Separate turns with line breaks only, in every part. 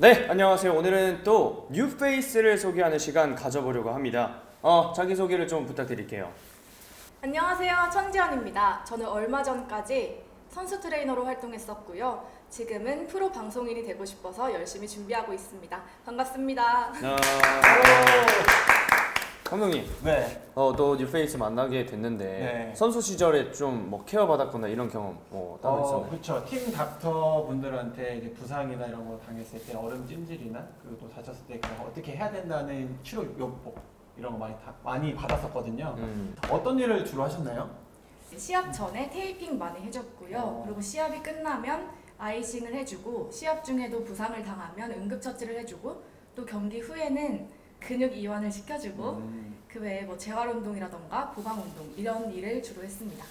네, 안녕하세요. 오늘은 또 뉴페이스를 소개하는 시간 가져보려고 합니다. 자기소개를 좀 부탁드릴게요.
안녕하세요. 천지연입니다. 저는 얼마 전까지 선수 트레이너로 활동했었고요. 지금은 프로 방송인이 되고 싶어서 열심히 준비하고 있습니다. 반갑습니다.
감독님,
네.
또 뉴페이스 만나게 됐는데
네.
선수 시절에 좀 뭐 케어 받았거나 이런 경험 따로 있었나요?
그렇죠. 팀 닥터 분들한테 이제 부상이나 이런 거 당했을 때 얼음 찜질이나 그리고 또 다쳤을 때 그냥 어떻게 해야 된다는 치료 요법 이런 거 많이 받았었거든요. 어떤 일을 주로 하셨나요?
시합 전에 테이핑 많이 해줬고요. 그리고 시합이 끝나면 아이싱을 해주고 시합 중에도 부상을 당하면 응급처치를 해주고 또 경기 후에는 근육 이완을 시켜주고 그 외에 뭐 재활운동이라던가 보강운동 이런 일을 주로 했습니다.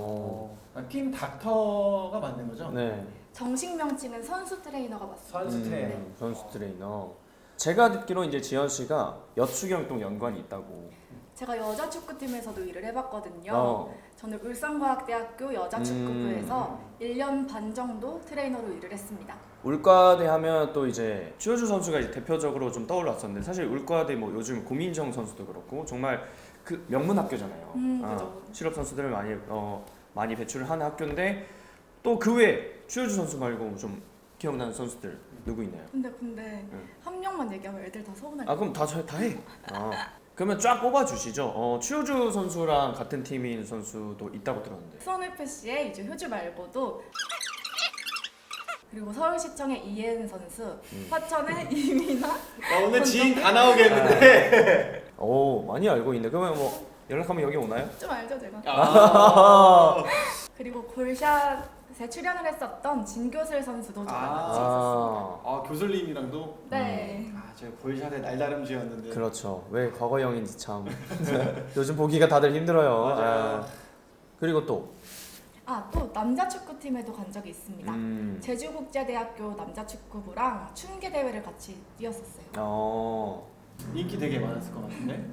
팀 닥터가 맞는 거죠?
네.
정식 명칭은 선수 트레이너가 맞습니다.
선수 트레이너.
네.
선수 트레이너. 제가 듣기로 이제 지현 씨가 여축이랑 또 연관이 있다고.
제가 여자 축구팀에서도 일을 해봤거든요.
어.
저는 울산과학대학교 여자축구부에서 1년 반 정도 트레이너로 일을 했습니다.
울과대 하면 또 이제 추효주 선수가 이제 대표적으로 좀 떠올랐었는데 사실 울과대 뭐 요즘 고민정 선수도 그렇고 정말 그 명문 학교잖아요.
그죠.
실업 선수들을 많이 배출을 하는 학교인데 또 그 외에 추효주 선수 말고 좀 기억나는 선수들 누구 있나요?
근데 한 명만 얘기하면 애들 다 서운할 거예요.
그럼 다 해. 그러면 쫙 뽑아 주시죠. 추효주 선수랑 같은 팀인 선수도 있다고 들었는데.
수원FC의 이제 효주 말고도 그리고 서울시청의 이혜은 선수, 화천의 이민아.
오늘 지인 다 나오겠는데.
많이 알고 있네. 그러면 뭐 연락하면 여기 오나요?
좀 알죠 제가.
아.
그리고 골샷에 출연을 했었던 진교슬 선수도 저랑 같이 있었습니다.
교슬님이랑도.
네.
제가 볼샷의 날다름쥐였는데.
그렇죠. 왜 과거형인지 참 요즘 보기가 다들 힘들어요.
맞아요.
그리고 또
또 남자 축구팀에도 간 적이 있습니다. 제주국제대학교 남자축구부랑 춘계 대회를 같이 뛰었었어요.
인기 되게 많았을 것 같은데.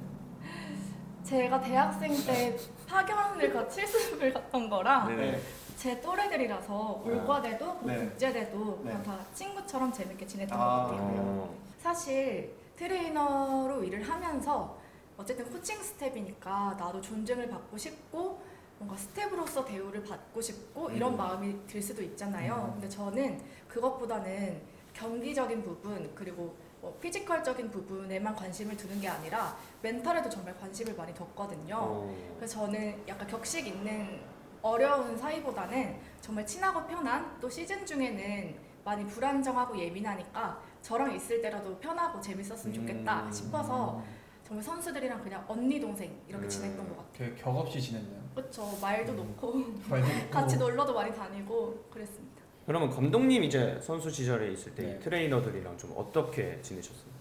제가 대학생 때 파견을 실습을 갔던 거랑
네.
제 또래들이라서 울과대도
네.
국제대도 그냥
네.
다 친구처럼 재밌게 지냈던 것 같아요. 사실 트레이너로 일을 하면서 어쨌든 코칭 스텝이니까 나도 존중을 받고 싶고 뭔가 스텝으로서 대우를 받고 싶고 이런 마음이 들 수도 있잖아요. 근데 저는 그것보다는 경기적인 부분 그리고 피지컬적인 부분에만 관심을 두는 게 아니라 멘탈에도 정말 관심을 많이 뒀거든요. 그래서 저는 약간 격식 있는 어려운 사이보다는 정말 친하고 편한 또 시즌 중에는 많이 불안정하고 예민하니까 저랑 있을 때라도 편하고 재밌었으면 좋겠다 싶어서 정말 선수들이랑 그냥 언니 동생 이렇게 지냈던 것 같아요.
되게 격없이 지냈네요.
그렇죠. 말도 놓고
말도 놓고.
같이 놀러도 많이 다니고 그랬습니다.
그러면 감독님 이제 선수 시절에 있을 때
네.
트레이너들이랑 좀 어떻게 지내셨어요?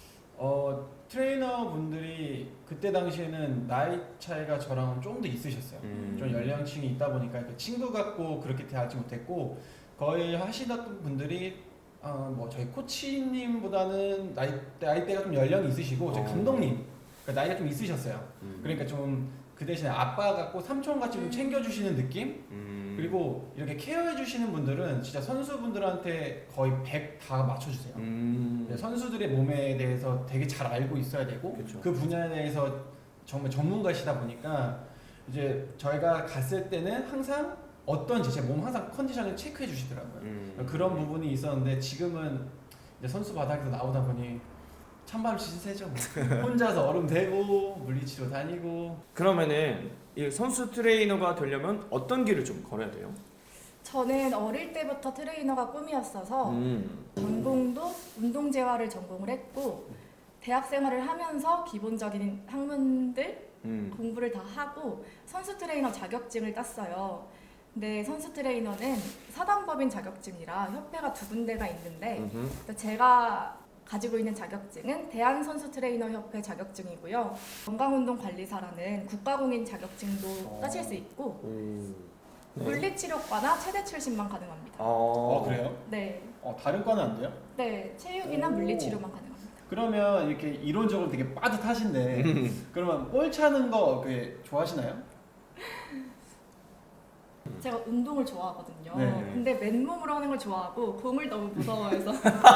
트레이너 분들이 그때 당시에는 나이 차이가 저랑은 좀 더 있으셨어요. 좀 연령층이 있다 보니까 그 친구 같고 그렇게 대하지 못했고 거의 하시던 분들이 저희 코치님보다는 나이대가 좀 연령이 있으시고 저희 감독님 그러니까 나이가 좀 있으셨어요. 그러니까 좀 그 대신에 아빠 같고 삼촌 같이 좀 챙겨주시는 느낌? 그리고 이렇게 케어해 주시는 분들은 진짜 선수분들한테 거의 100 다 맞춰주세요. 선수들의 몸에 대해서 되게 잘 알고 있어야 되고
그쵸.
그 분야에 대해서 정말 전문가시다 보니까 이제 저희가 갔을 때는 항상 어떤지 제 몸 항상 컨디션을 체크해 주시더라고요. 그런 부분이 있었는데 지금은 이제 선수 바닥에서 나오다 보니 찬바람 시세죠. 혼자서 얼음 대고 물리치료 다니고.
그러면은 이 선수 트레이너가 되려면 어떤 길을 좀 걸어야 돼요?
저는 어릴 때부터 트레이너가 꿈이었어서 전공도 운동재활을 전공을 했고 대학 생활을 하면서 기본적인 학문들 공부를 다 하고 선수 트레이너 자격증을 땄어요. 근데 선수 트레이너는 사단법인 자격증이라 협회가 두 군데가 있는데 제가 가지고 있는 자격증은 대한선수트레이너협회 자격증이고요. 건강운동관리사라는 국가공인 자격증도 따실 수 있고
네.
물리치료과나 체대 출신만 가능합니다.
그래요?
네,
다른 과는 안 돼요?
네 체육이나 물리치료만 가능합니다.
그러면 이렇게 이론적으로 되게 빠듯하신데 그러면 볼 차는 거 좋아하시나요?
제가 운동을 좋아하거든요.
네.
근데 맨몸으로 하는 걸 좋아하고 공을 너무 무서워해서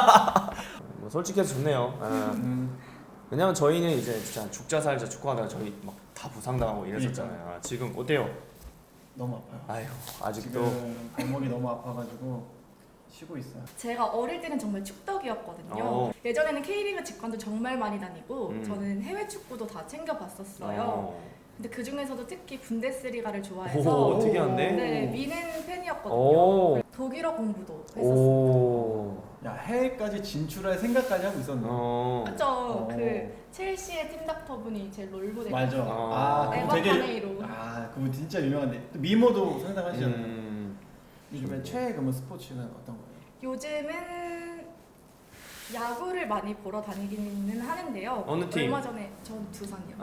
뭐 솔직해서 좋네요. 왜냐면 저희는 이제 진짜 죽자 살자 축구하다가 저희 막 다 부상당하고 이랬었잖아요. 지금 어때요?
너무 아파요.
아유 아직도
지금 발목이 너무 아파가지고 쉬고 있어요.
제가 어릴 때는 정말 축덕이었거든요. 예전에는 K리그 직관도 정말 많이 다니고 저는 해외 축구도 다 챙겨봤었어요. 근데 그 중에서도 특히 분데스리가를 좋아해서
오, 특이한데?
네, 미넨 팬이었거든요.
오.
독일어 공부도 했었어요.
오.
야, 해외까지 진출할 생각까지 하고 있었네.
그쵸. 그 첼시의 팀 닥터분이 제 롤모델.
맞아. 그거
에버카네이로.
그거 진짜 유명한데. 또 미모도 상당하시잖아요. 요즘에 최애 그러면 스포츠는 어떤 거예요?
요즘은 야구를 많이 보러 다니기는 하는데요.
어느 팀?
얼마 전에 전 두산이요.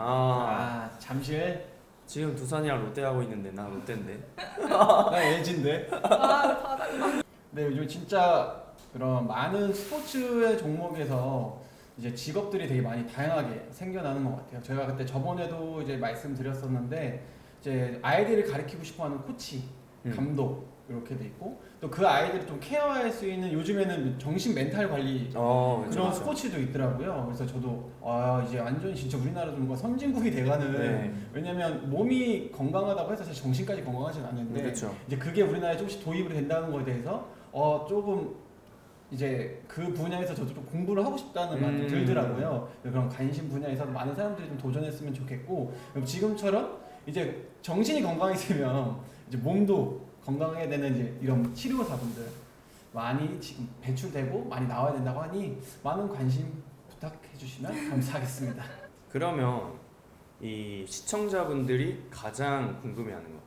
잠실.
지금 두산이랑 롯데하고 있는데 나 롯데인데.
나 LG인데.
바닥나.
네, 요즘 진짜 그런 많은 스포츠의 종목에서 이제 직업들이 되게 많이 다양하게 생겨나는 것 같아요. 제가 그때 저번에도 이제 말씀드렸었는데 이제 아이들을 가르치고 싶어하는 코치, 감독 이렇게 돼 있고 또 그 아이들을 좀 케어할 수 있는 요즘에는 정신 멘탈 관리 그런
그렇죠.
스포츠도 있더라고요. 그래서 저도 이제 완전 진짜 우리나라 좀 선진국이 돼가는 왜냐면 몸이 건강하다고 해서 사실 정신까지 건강하진 않는데
그렇죠.
이제 그게 우리나라에 조금씩 도입이 된다는 거에 대해서 조금 이제 그 분야에서 저도 좀 공부를 하고 싶다는 마음이 들더라고요. 그런 관심 분야에서 많은 사람들이 좀 도전했으면 좋겠고 지금처럼 이제 정신이 건강해지면 이제 몸도 건강해야 되는 이제 이런 치료사분들 많이 지금 배출되고 많이 나와야 된다고 하니 많은 관심 부탁해 주시면 감사하겠습니다.
그러면 이 시청자분들이 가장 궁금해하는 거.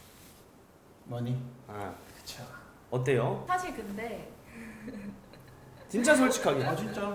뭐니?
그쵸. 어때요?
사실 근데
진짜 솔직하게.
진짜?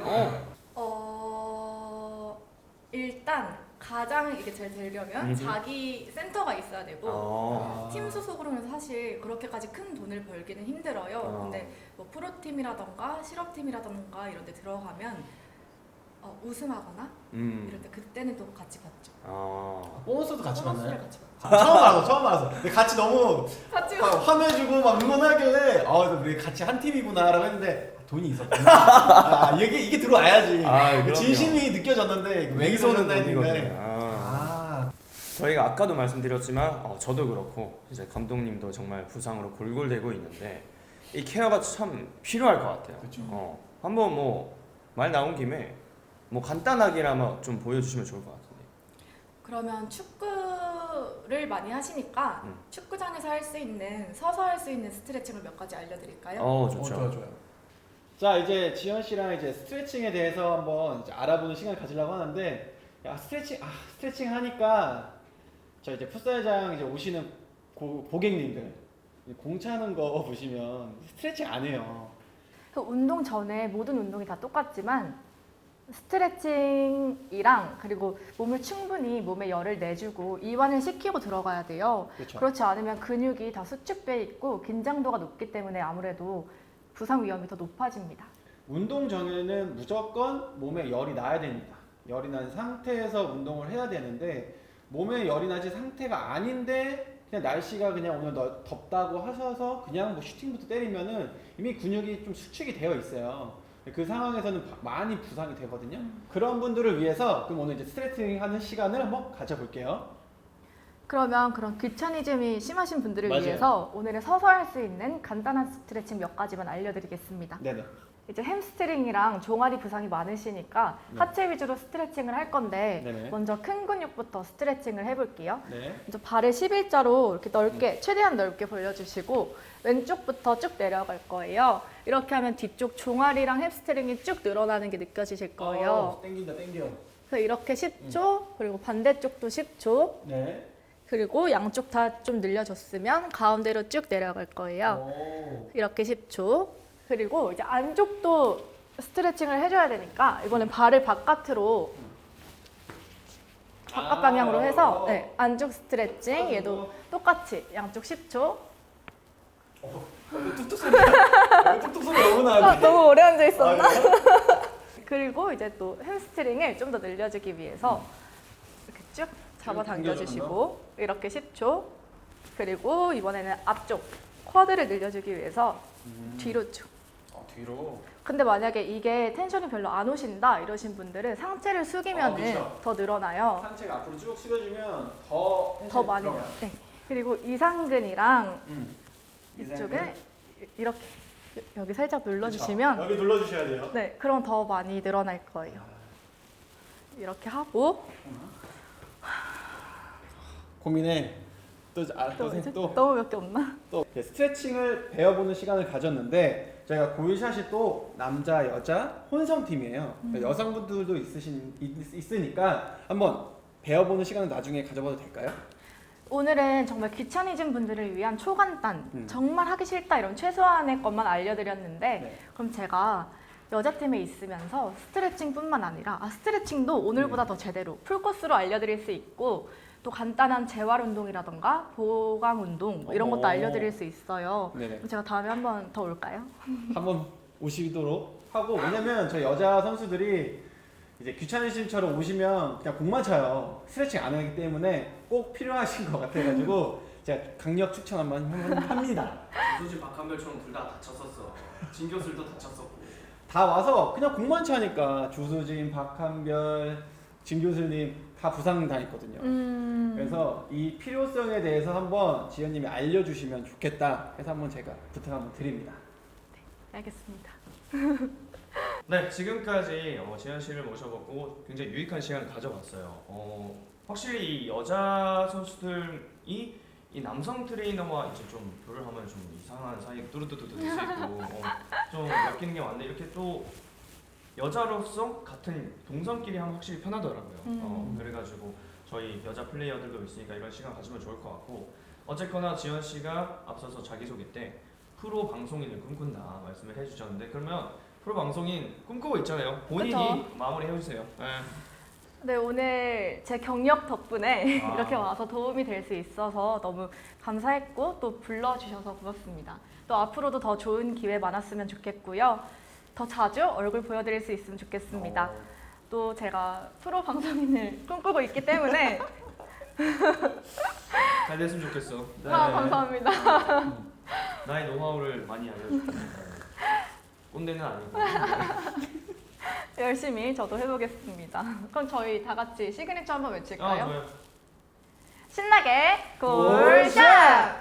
일단 가장 이게 잘 되려면 자기 센터가 있어야 되고 팀 소속으로는 사실 그렇게까지 큰 돈을 벌기는 힘들어요. 근데 뭐 프로팀이라던가 실업팀이라던가 이런 데 들어가면 우승하거나 이럴 때 그때는 또 같이 받죠.
보너스도 같이
보너스를
받나요?
같이 받죠.
처음 알았어. 근데 같이 너무
같이
화면 주고 막 응원하길래 우리 같이 한 팀이구나라고 했는데 돈이 있었구나. 이게 들어와야지.
그럼요.
진심이 느껴졌는데
맹소는
했는데.
돈이거든요. 저희가 아까도 말씀드렸지만 저도 그렇고 이제 감독님도 정말 부상으로 골골대고 있는데 이 케어가 참 필요할 것 같아요.
그렇죠.
한번 뭐 말 나온 김에 뭐 간단하게나마 좀 보여주시면 좋을 것 같은데.
그러면 축구를 많이 하시니까 축구장에서 할 수 있는 서서 할 수 있는 스트레칭을 몇 가지 알려드릴까요?
좋죠.
좋아요. 자, 이제 지현 씨랑 이제 스트레칭에 대해서 한번 이제 알아보는 시간을 가지려고 하는데 스트레칭 하니까 저 이제 풋살장 이제 오시는 고객님들 공 차는 거 보시면 스트레칭 안 해요.
그 운동 전에 모든 운동이 다 똑같지만 스트레칭이랑 그리고 몸을 충분히 몸에 열을 내주고 이완을 시키고 들어가야 돼요.
그렇죠.
그렇지 않으면 근육이 다 수축돼 있고 긴장도가 높기 때문에 아무래도 부상 위험이 더 높아집니다.
운동 전에는 무조건 몸에 열이 나야 됩니다. 열이 난 상태에서 운동을 해야 되는데 몸에 열이 나지 상태가 아닌데 그냥 날씨가 그냥 오늘 덥다고 하셔서 그냥 뭐 슈팅부터 때리면은 이미 근육이 좀 수축이 되어 있어요. 그 상황에서는 많이 부상이 되거든요. 그런 분들을 위해서 그럼 오늘 이제 스트레칭 하는 시간을 한번 가져볼게요.
그러면 그런 귀차니즘이 심하신 분들을
맞아요.
위해서 오늘은 서서 할 수 있는 간단한 스트레칭 몇 가지만 알려드리겠습니다.
네네.
이제 햄스트링이랑 종아리 부상이 많으시니까 하체 위주로 스트레칭을 할 건데
네네.
먼저 큰 근육부터 스트레칭을 해볼게요.
네.
먼저 발을 11자로 이렇게 넓게 최대한 넓게 벌려주시고 왼쪽부터 쭉 내려갈 거예요. 이렇게 하면 뒤쪽 종아리랑 햄스트링이 쭉 늘어나는 게 느껴지실 거예요.
땡긴다.
그래서 이렇게 10초 그리고 반대쪽도 10초
네.
그리고 양쪽 다 좀 늘려줬으면 가운데로 쭉 내려갈 거예요. 이렇게 10초. 그리고 이제 안쪽도 스트레칭을 해줘야 되니까 이거는 발을 바깥으로 바깥 방향으로 해서 네, 안쪽 스트레칭 얘도 똑같이 양쪽 10초.
뚝뚝 소리 너무 나는데.
너무 오래 앉아 있었나? 그리고 이제 또 햄스트링을 좀 더 늘려주기 위해서 이렇게 쭉 잡아 당겨주시고 이렇게 10초. 그리고 이번에는 앞쪽 쿼드를 늘려주기 위해서 뒤로 쭉.
뒤로.
근데 만약에 이게 텐션이 별로 안 오신다 이러신 분들은 상체를 숙이면은
그쵸.
더 늘어나요.
상체가 앞으로 쭉 숙여주면 더
더 많이.
들어가요.
네. 그리고 이상근이랑
이상근.
이쪽에 이렇게 여기 살짝 눌러주시면
여기 눌러주셔야 돼요.
네, 그럼 더 많이 늘어날 거예요. 이렇게 하고
고민해. 또
너무 몇 개 없나?
또 스트레칭을 배워보는 시간을 가졌는데 저희가 고유샷이 또 남자 여자 혼성 팀이에요. 여성분들도 있으니까 한번 배워보는 시간을 나중에 가져봐도 될까요?
오늘은 정말 귀차니즘 분들을 위한 초간단, 정말 하기 싫다 이런 최소한의 것만 알려드렸는데
네.
그럼 제가 여자팀에 있으면서 스트레칭뿐만 아니라 스트레칭도 오늘보다 더 제대로 풀코스로 알려드릴 수 있고 또 간단한 재활 운동이라던가 보강 운동 뭐 이런 것도 알려드릴 수 있어요.
네네.
그럼 제가 다음에 한 번 더 올까요?
한번 오시도록 하고 왜냐면 저희 여자 선수들이 이제 귀차니즘처럼 오시면 그냥 공만 차요. 스트레칭 안 하기 때문에 꼭 필요하신 것 같아가지고 제가 강력 추천 한번 합니다.
조수진 박한별처럼 둘 다 다쳤었어. 진교술도 다쳤었고.
다 와서 그냥 공만 차니까 주수진, 박한별, 진교수님 다 부상 당했거든요. 그래서 이 필요성에 대해서 한번 지연님이 알려주시면 좋겠다 해서 한번 제가 부탁 한번 드립니다.
알겠습이
네, 지금까지 지현 씨를 모셔보고 굉장히 유익한 시간을 가져봤어요. 확실히 이 여자 선수들이 이 남성 트레이너와 이제 좀 교류를 하면 좀 이상한 사이 뚜루뚜뚜뚜 될 수 있고 좀 엮이는 게 많은데 이렇게 또 여자로서 같은 동성끼리 하면 확실히 편하더라고요. 그래가지고 저희 여자 플레이어들도 있으니까 이런 시간 가지면 좋을 것 같고 어쨌거나 지현 씨가 앞서서 자기소개 때 프로 방송인을 꿈꾼다 말씀을 해주셨는데 그러면 프로 방송인 꿈꾸고 있잖아요. 본인이
그쵸?
마무리 해주세요.
네, 오늘 제 경력 덕분에
아.
이렇게 와서 도움이 될 수 있어서 너무 감사했고 또 불러주셔서 고맙습니다. 또 앞으로도 더 좋은 기회 많았으면 좋겠고요. 더 자주 얼굴 보여드릴 수 있으면 좋겠습니다. 또 제가 프로 방송인을 꿈꾸고 있기 때문에
잘 됐으면 좋겠어. 네.
감사합니다.
나의 노하우를 많이 알려줄게. 꼰대는 아니고.
열심히 저도 해보겠습니다. 그럼 저희 다 같이 시그니처 한번 외칠까요?
좋아요.
신나게 골샷!